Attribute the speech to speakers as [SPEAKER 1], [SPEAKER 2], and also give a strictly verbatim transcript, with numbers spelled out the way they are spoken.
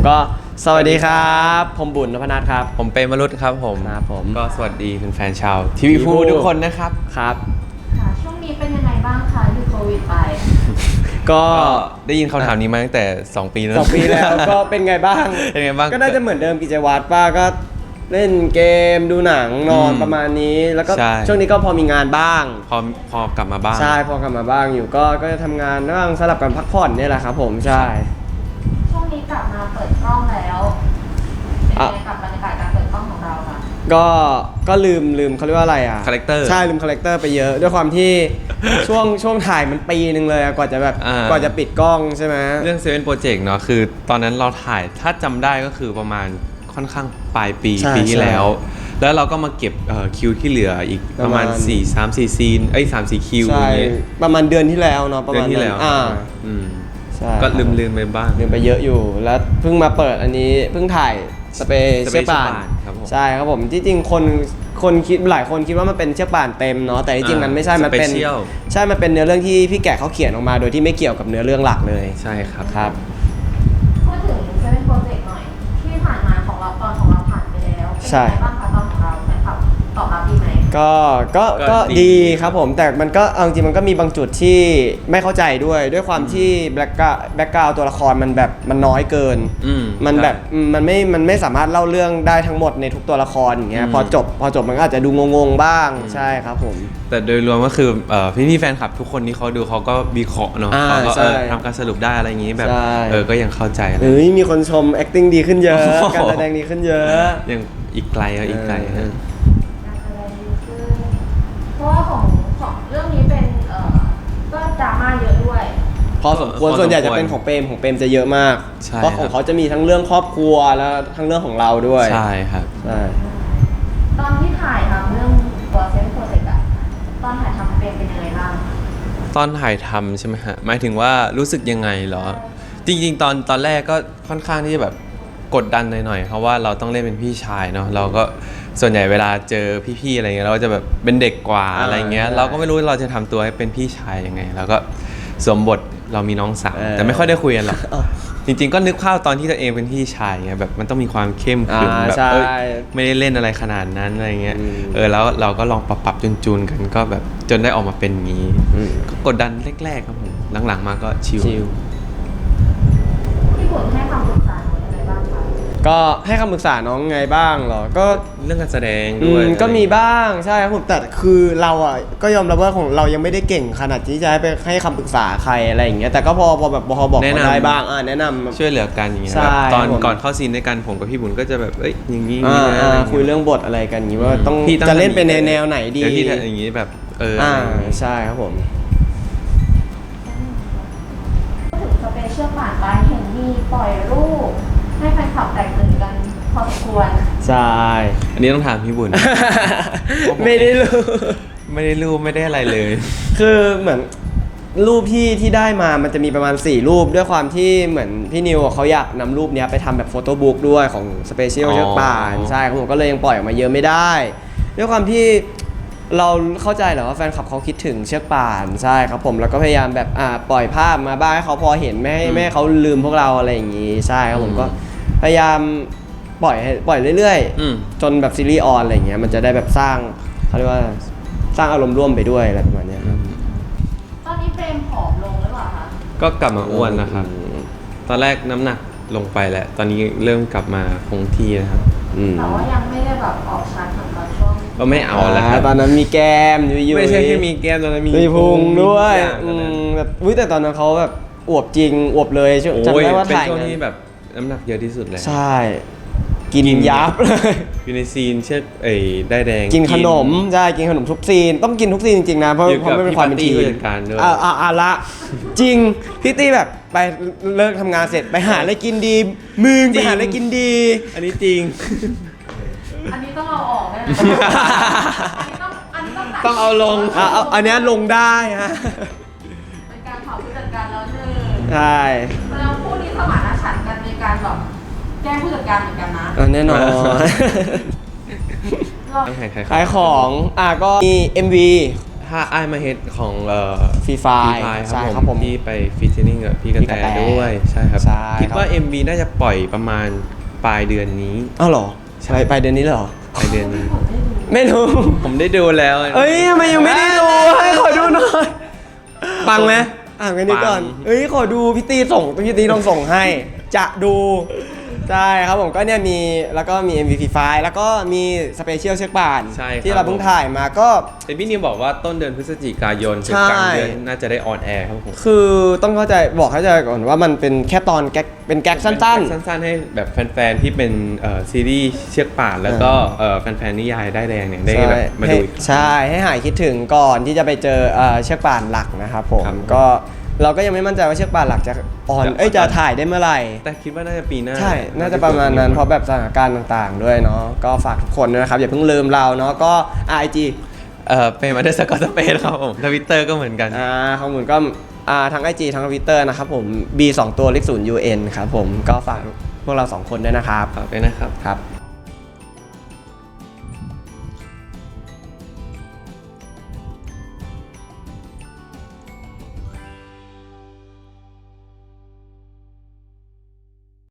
[SPEAKER 1] ก็สวัสดีครับผมบุญนพนัทครับ
[SPEAKER 2] ผมเป็นมรุตครับผม
[SPEAKER 1] ครับผม
[SPEAKER 2] ก็สวัสดีแฟนๆชาวทีวีพูทุกคนนะครับ
[SPEAKER 1] ครับ
[SPEAKER 3] ค่ะช่วงนี้เป็นยังไงบ้างคะหยุดโควิดไป
[SPEAKER 2] ก็ได้ยินคำถามนี้มาตั้งแต่สองปีแล้ว
[SPEAKER 1] สองปีแล้วก็เป็นไงบ้าง
[SPEAKER 2] เป็นไงบ้าง
[SPEAKER 1] ก็น่าจะเหมือนเดิมกิจวัตรป้าก็เล่นเกมดูหนังนอนประมาณนี้แล้วก็ช่วงนี้ก็พอมีงานบ้าง
[SPEAKER 2] พอพอกลับมาบ้าง
[SPEAKER 1] ใช่พอกลับมาบ้างอยู่ก็ก็จะทำงานบ้างสลับกันพักผ่อนนี่แหละครับผมใช่
[SPEAKER 3] ช่วงนี้กลับมาเปิดกล้องแล้วเป็นไงกับบรรยากาศการเปิดกล้องของเราค่ะ
[SPEAKER 1] ก็ก็ลืมลืมเขาเรียกว่าอะไรอ่ะ
[SPEAKER 2] คาแรคเตอร์
[SPEAKER 1] ใช่ลืมคาแรคเตอร์ไปเยอะด้วยความที่ช่วงช่วงถ่ายมันปีนึงเลยกว่าจะแบบกว่าจะปิดกล้องใช่ไหม
[SPEAKER 2] เรื่องเซเว่นโปรเจกต์เนาะคือตอนนั้นเราถ่ายถ้าจำได้ก็คือประมาณค่อนข้างปลายปีปีที่แล้วแล้วเราก็มาเก็บคิวที่เหลืออีกประมาณสี่ สาม สี่ซีนเอ้ยสาม สี่คิว
[SPEAKER 1] ใช่ประมาณเดือนที่แล้วเนาะประมาณ
[SPEAKER 2] ที่แล้ว
[SPEAKER 1] อ่า
[SPEAKER 2] อืมก็ลืมลืมไปบ้าง
[SPEAKER 1] ลืมไปเยอะอยู่แล้วเพิ่งมาเปิดอันนี้เพิ่งถ่ายสเปเชียลป่านใช่ครับผมที่จริงคนคนคิดหลายคนคิดว่ามันเป็นเชือกป่านเต็มเนาะแต่จริงๆมันไม่ใช่มันเป็นใช่มันเป็นเนื้อเรื่องที่พี่แกะเขาเขียนออกมาโดยที่ไม่เกี่ยวกับเนื้อเรื่องหลักเลย
[SPEAKER 2] ใช่ครับ
[SPEAKER 1] ครับ
[SPEAKER 3] พูดถึงเซเว่นโปรเจกต์หน่อยที่ผ่านมาของเราตอนของเราผ่านไปแล้วเป็นยังไงบ้างคะตอนของเราแฟนคลับตอบรับดีไหม
[SPEAKER 1] ก็ก็ก็ดีครับผมแต่มันก็เอาจริงมันก็มีบางจุดที่ไม่เข้าใจด้วยด้วยความที่แบ็กกราวแบ็กกราวตัวละครมันแบบมันน้อยเกินมันแบบมันไม่มันไม่สามารถเล่าเรื่องได้ทั้งหมดในทุกตัวละครอย่างเงี้ยพอจบพอจบมันก็อาจจะดูงงๆบ้างใช่ครับผม
[SPEAKER 2] แต่โดยรวมก็คือพี่พี่แฟนคลับทุกคนที่เขาดูเขาก็วิเคราะห์เนาะเขาก็ทำการสรุปได้อะไรอย่างงี้แบบเออก็ยังเข้าใจ
[SPEAKER 1] เฮ้ยมีคนชม acting ดีขึ้นเยอะการแสดงดีขึ้นเยอะ
[SPEAKER 2] ยังอีกไกลอ่ะอีกไกล
[SPEAKER 3] เพราะว่าของของเรื่องนี้เป็นเอ่อก็ดราม่าเยอะด้วย
[SPEAKER 1] พอสมควรส่วนใหญ่จะเป็นของเปรมของเปรมจะเยอะมากเพราะของเขาจะมีทั้งเรื่องครอบครัวแล้วทั้งเรื่องของเราด้วย
[SPEAKER 2] ใช่ครับ
[SPEAKER 1] ใช่
[SPEAKER 3] ตอนที่ถ่ายทำเรื่องตัวเซนโปรเจกต์อะตอนถ่ายทำเปรมเป็นยังไงบ้าง
[SPEAKER 2] ตอนถ่ายทำใช่ไหมฮะหมายถึงว่ารู้สึกยังไงเหรอจริงๆตอนตอนแรกก็ค่อนข้างที่จะแบบกดดันหน่อยๆเพราะว่าเราต้องเล่นเป็นพี่ชายเนาะเราก็ส่วนใหญ่เวลาเจอพี่ๆอะไรเงี้ยเราก็จะแบบเป็นเด็กกว่าอะไรเงี้ยเราก็ไม่รู้เราจะทำตัวให้เป็นพี่ชายยังไงแล้วก็สวมบทเรามีน้องสาวแต่ไม่ค่อยได้คุยกันหรอกจริงๆก็นึกภาพตอนที่ตัวเองเป็นพี่ชายไงแบบมันต้องมีความเข้มขรึมแบบเอ้ยไม่ได้เล่นอะไรขนาดนั้นอะไรเงี้ยเออแล้วเราก็ลองปรับปรับจูนๆกันก็แบบจนได้ออกมาเป็นงี้ก็กดดันแรกๆครับผมหลังๆมาก็ชิล
[SPEAKER 3] ที่ผมให้ความปรึกษา
[SPEAKER 1] ก็ให้คำปรึกษาน้องไงบ้างเหรอก็
[SPEAKER 2] เรื่องการแสดงด้วย
[SPEAKER 1] ก็มีบ้างใช่ครับผมแต่คือเราอ่ะก็ยอมรับว่าของเรายังไม่ได้เก่งขนาดที่จะให้ไปให้คำปรึกษาใครอะไรอย่างเงี้ยแต่ก็พอพอแบบพอบอกได้บ้างอ่าแนะนำ
[SPEAKER 2] ช่วยเหลือกันอย่างเงี้ยแบบตอนก่อนเข้าซีนด้วยกันผมกับพี่บุญก็จะแบบเอ้ยอย่างงี้
[SPEAKER 1] คุยเรื่องบทอะไรกันอย่างงี้ว่าต้องจะเล่นเป็นแนวไหนดี
[SPEAKER 2] เดี๋ยวที่อย่างงี้แบบเออ
[SPEAKER 1] อ่าใช่ครับผม
[SPEAKER 3] ถึงสเปเชียลผ่านไปเห็นมีปล่อยรูปให้แฟนคลับแตกตื่นกันพอสมควร
[SPEAKER 1] ใช่
[SPEAKER 2] อันนี้ต้องถามพี่บุญ
[SPEAKER 1] ไม่ได้รูป
[SPEAKER 2] ไม่ได้รูปไม่ได้อะไรเลย
[SPEAKER 1] คือเหมือนรูปที่ที่ได้มามันจะมีประมาณสี่รูปด้วยความที่เหมือนพี่นิวเขาอยากนำรูปนี้ไปทำแบบโฟโต้บุ๊กด้วยของสเปเชียลเชือกป่านใช่ผมก็เลยยังปล่อยออกมาเยอะไม่ได้ด้วยความที่เราเข้าใจแหละว่าแฟนคลับเขาคิดถึงเชือกป่านใช่ครับผมแล้วก็พยายามแบบอ่าปล่อยภาพมาบ้างให้เขาพอเห็นไม่ให้ไม่ให้เขาลืมพวกเราอะไรอย่างงี้ใช่ครับผมก็พยายามปล่อยให้ปล่อยเรื่อยๆจนแบบซีรีส์ออนอะไรอย่างเงี้ยมันจะได้แบบสร้างเขาเรียกว่าสร้างอารมณ์ร่วมไปด้วยอะไรประมาณนี้ครับ
[SPEAKER 3] ตอนนี้เฟรมผอมลงหรือเปล่าคะ
[SPEAKER 2] ก็กลับมาอ้วนนะครับตอนแรกน้ำหนักลงไปแหละตอนนี้เริ่มกลับมาคงที่นะครับ
[SPEAKER 3] แต่ว่ายังไม่ได้แบบออกชัดเหมือนตอนช่วง
[SPEAKER 2] ก็ไม่เอาแล้วครับ
[SPEAKER 1] ตอนนั้นมีแก้มยุ่ยๆ
[SPEAKER 2] ไม่ใช่แค่มีแก้มตอนนั้น
[SPEAKER 1] มีพุงด้วยแบบอุ้ยแต่ตอนนั้นเขาแบบอวบจริงอวบเลยจำได้ว่าถ่าย
[SPEAKER 2] เป็นช่วงที่แบบน้ำหนักเยอะที่สุดเลย
[SPEAKER 1] ใช่กินยับเลย
[SPEAKER 2] อยู่ในซีนเช่นไอ้ได้แดง
[SPEAKER 1] กินขนมใช่กินขนมทุกซีนต้องกินทุกซีนจริงๆนะเพราะเพราะไม่เป็นความเป็นทีมอ่าอ่าละจริงพี่ตี้แบบไปเลิกทำงานเสร็จไปหาอะไรกินดีมึงไปหาอะไรกินดี
[SPEAKER 2] อันนี้จริง
[SPEAKER 3] อันนี้ต้องเอาออกนะอันนี้ต้องอันนี้ต้อง
[SPEAKER 2] ต้องเอาลง
[SPEAKER 1] อ่ะอันนี้ลงได้ฮะ
[SPEAKER 3] เป็นการเผาผู้จัดการแล้วหนึ่ง
[SPEAKER 1] ใช่
[SPEAKER 3] แล้วคู่นี้สมานฉันท์กันในการแบบแก้ผู้จัดการเหมือนกันนะ
[SPEAKER 1] แน่นอนขายของอ่ะก็มี เอ็ม วี ใ
[SPEAKER 2] ถ้าไอ้ายมาเฮดของเอ่อ
[SPEAKER 1] Free
[SPEAKER 2] ฟรี
[SPEAKER 1] Fire
[SPEAKER 2] ไฟ
[SPEAKER 1] ใช่
[SPEAKER 2] ค
[SPEAKER 1] ครั
[SPEAKER 2] รับบ ผ
[SPEAKER 1] ผม ม
[SPEAKER 2] ที่ไปฟิชเชอร์นิ่งกับพี่กระ
[SPEAKER 1] พี่ก
[SPEAKER 2] แต
[SPEAKER 1] ระแต
[SPEAKER 2] ด้วยใช่ครับ
[SPEAKER 1] ใช่
[SPEAKER 2] คิดว่า
[SPEAKER 1] ครับ
[SPEAKER 2] เอ็ม วี น่าจะปล่อยประมาณปลายเดือนนี้
[SPEAKER 1] อ้าวเหรอใช่ไปเดือนนี้เลยเหรอ
[SPEAKER 2] ปลายเดือนนี้
[SPEAKER 1] ไม่รู้
[SPEAKER 2] ผมได้ดูแล้ว
[SPEAKER 1] เอ้ยทำไมยังไม่ได้ดูให้ขอดูหน่อยปังไหมอ่านกันนี้ก่อน
[SPEAKER 2] ปัง
[SPEAKER 1] เอ้ยขอดูพี่ตีส่งพี่ตีต้องส่งให้ จะดูใช่ครับผมก็เนี่ยมีแล้วก็มี เอ็ม วี ไฟล์แล้วก็มีสเปเชียลเชือกป่าน
[SPEAKER 2] ใช่ครับ
[SPEAKER 1] ที่เราเพิ่งถ่ายมาก็
[SPEAKER 2] แต่พี่นิวบอกว่าต้นเดือนพฤศจิกายนถึง
[SPEAKER 1] ใช่
[SPEAKER 2] กลางเดือนน่าจะได้ออนแอร์ครับผม
[SPEAKER 1] คือต้องเข้าใจบอกเข้าใจก่อนว่ามันเป็นแค่ตอนแก๊กเป็นแก๊กสั้น
[SPEAKER 2] เป็นสั้นๆให้แบบแฟนๆที่เป็นเอ่อซีรีส์เชือกป่านแล้วก็เอ่อแฟนๆนิยายได้ายแดงเนี่ย
[SPEAKER 1] ๆ
[SPEAKER 2] ได้
[SPEAKER 1] ใช่
[SPEAKER 2] แบบมาดูอีก
[SPEAKER 1] ให้ใช่ให้หายคิดถึงก่อนที่จะไปเจอเอ่อเชือกป่านหลักนะครับผม
[SPEAKER 2] ครับ
[SPEAKER 1] ก็เราก็ยังไม่มั่นใจว่าเชือกป่านหลักจะออน
[SPEAKER 2] จะ
[SPEAKER 1] เอ้ยจะถ่ายได้เมื่อไหร่
[SPEAKER 2] แต่คิดว่าน่าจะปีหน้า
[SPEAKER 1] ใช่ น่าจะประมาณนั้น เพราะแบบสถานการณ์ต่างๆ ด้วยเนาะ ก็ฝากทุกคนด้วยนะครับ อย่าเพิ่งลืมเราเนาะ ก็ ไอ จี
[SPEAKER 2] เอ่อเป็นมาด้วยสกอตสเปซครับผมทวิตเตอร์ก็เหมือนกัน
[SPEAKER 1] อ่าข้อมูลก็อ่าทั้ง ไอ จี ทั้ง Twitter นะครับผม B สองตัวเลขศูนย์ ยู เอ็น ครับผม ก็ฝากพวกเราสองคนด้วยนะครับ
[SPEAKER 2] ฝากด้วยนะครับ
[SPEAKER 1] ครับ